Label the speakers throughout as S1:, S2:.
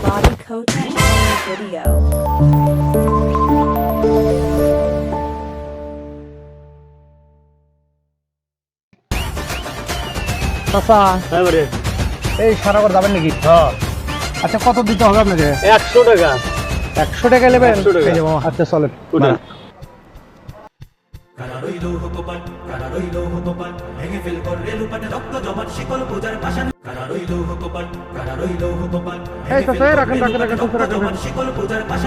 S1: Bobby Kotick on the video.
S2: চাচা
S3: এবারে
S2: এই সারাবার যাবেন নাকি?
S3: হ্যাঁ
S2: আচ্ছা কত দিতে হবে আপনাকে?
S3: 100 টাকা
S2: 100 টাকা নেবেন?
S3: 100 টাকা।
S2: এই যে মামা, আচ্ছা চলেন।
S3: উঠেন।
S2: এই চাচা এই রাখেন রাখেন রাখেন চাচা রাখেন।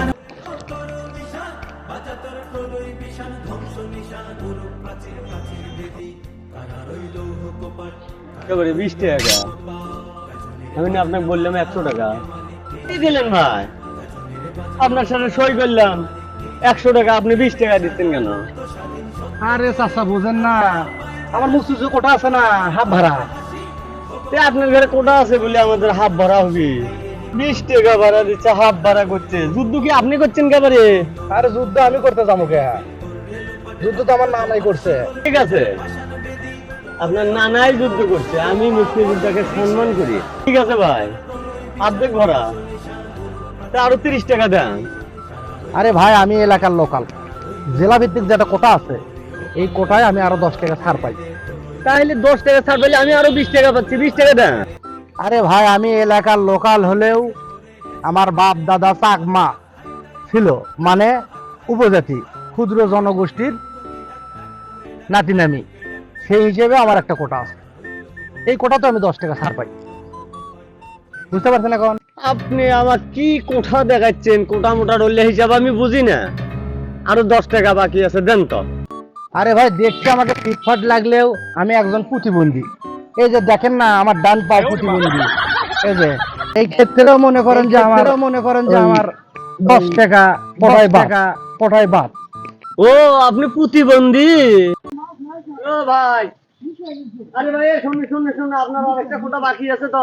S3: এবারে 20 টাকা আমি না আপনাকে বললাম 100 টাকা কি দিলেন ভাই? আপনার সাথে সই করলাম 100 টাকা, আপনি 20 টাকা দিচ্ছেন কেন?
S2: আরে চাচা বুঝেন না, আমার মুসুজু কোটা আছে না, হাফ ভাড়া।
S3: আপনার ঘরে কোটা আছে বলে আমাদের হাফ ভাড়া হবে? 20 টাকা ভাড়া দিচ্ছে, হাফ ভাড়া করছে। যুদ্ধ কি আপনি করছেন কেবারে?
S2: আরে যুদ্ধ আমি করতে যাবো কে? যুদ্ধ তো আমার নানাই করছে।
S3: ঠিক আছে, আপনার নানাই যুদ্ধ করছে, আমি মুক্তিযোদ্ধাকে সম্মান করি। ঠিক আছে ভাই, অর্ধেক ভরা, তা আরো 30 টাকা দেন।
S2: আরে ভাই আমি এলাকার লোকাল, জেলা ভিত্তিক যেটা কোটা আছে এই কোটায় আমি আরো 10 টাকা ছাড় পাই।
S3: তাহলে 10 টাকা ছাড় পেলে আমি আরো 20 টাকা পাচ্ছি, 20 টাকা দেন।
S2: আরে ভাই আমি এলাকার লোকাল হলেও আমার বাপ দাদা চাকমা ছিল, মানে উপজাতি ক্ষুদ্র জনগোষ্ঠীর নাতি নামি, সেই হিসেবে আমার একটা কোটা আছে। এই কোটা তো আমি 10 টাকা ছাড় পাই, বুঝতে পারছেন এখন?
S3: আপনি আমার কি কোঠা দেখাচ্ছেন? কোটা মোটা রইলে হিসাব আমি বুঝি না। আরো 10 টাকা বাকি আছে, দেন তো।
S2: আরে ভাই দেখতে আমাকে ফিটফাট লাগলেও আমি একজন প্রতিবন্ধী। এই যে দেখেন না আমার ডান পা প্রতিবন্ধী। এই যে এই ক্ষেত্রেও মনে করেন যে আমার 10 টাকা কোটায় বাদ।
S3: ও আপনি প্রতিবন্ধী? ও ভাই, আরে ভাই শুনুন শুনুন শুনুন, আপনার আরেকটা কোটা বাকি আছে তো।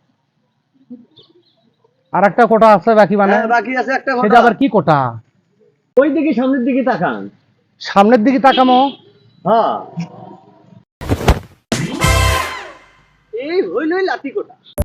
S2: আর একটা কোটা আছে বাকি, মানে
S3: হ্যাঁ, বাকি আছে একটা
S2: সেটা
S3: কোটা।
S2: আবার কি কোটা?
S3: ওই দিকে সামনের দিকে তাকান।
S2: সামনের দিকে তাকামো?
S3: হ্যাঁ, এই হইলই লাঠি কোটা।